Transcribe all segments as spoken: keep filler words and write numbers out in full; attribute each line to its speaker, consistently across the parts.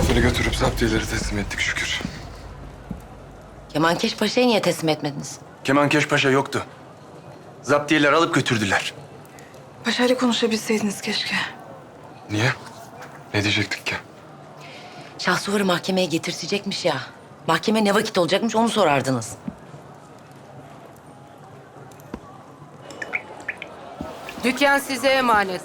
Speaker 1: Muzaffer'i götürüp zaptiyeleri teslim ettik şükür.
Speaker 2: Kemankeş Paşa'yı niye teslim etmediniz?
Speaker 3: Kemankeş Paşa yoktu. Zaptiyeler alıp götürdüler.
Speaker 4: Paşa'yla konuşabilseydiniz keşke.
Speaker 1: Niye? Ne diyecektik ki?
Speaker 2: Şahsuvar'ı mahkemeye getirtecekmiş ya. Mahkeme ne vakit olacakmış onu sorardınız.
Speaker 5: Dükkan size emanet.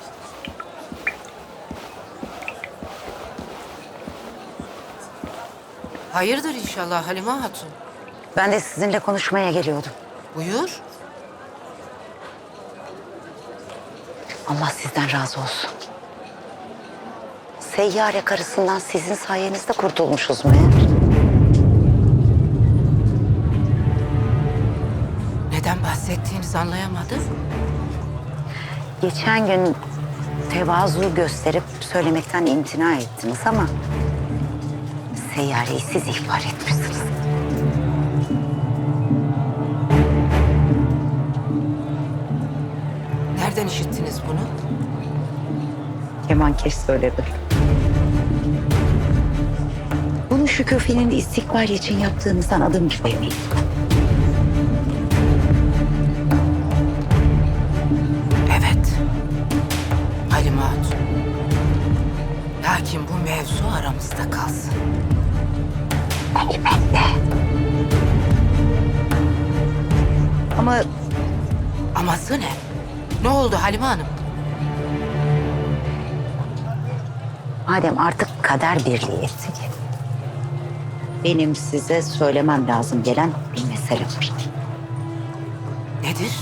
Speaker 5: Hayırdır inşallah Halime Hatun?
Speaker 2: Ben de sizinle konuşmaya geliyordum.
Speaker 5: Buyur.
Speaker 2: Allah sizden razı olsun. Seyyare karısından sizin sayenizde kurtulmuşuz meğer.
Speaker 5: Neden bahsettiğinizi anlayamadım.
Speaker 2: Geçen gün tevazu gösterip söylemekten imtina ettiniz ama... Seyyareyi siz ihbar etmişsiniz.
Speaker 5: Nereden işittiniz bunu?
Speaker 2: Kemankeş söyledi. Bunu Şükufe'nin istikbal için yaptığınızdan adım gibi eminim.
Speaker 5: Evet. Halime Hatun. Lakin bu mevzu aramızda kalsın.
Speaker 2: Elbette. Ama
Speaker 5: Aması ne? Ne oldu Halime Hanım?
Speaker 2: madem artık kader birliği ettik... benim size söylemem lazım gelen bir mesele var.
Speaker 5: Nedir?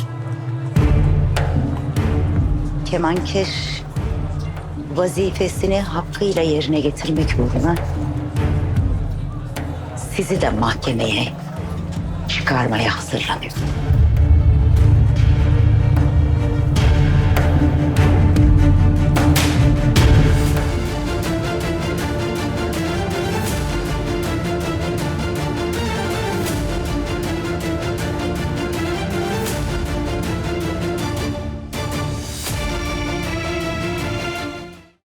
Speaker 2: Kemankeş vazifesini hakkıyla yerine getirmek uğruna sizi de mahkemeye çıkarmaya hazırlanıyor.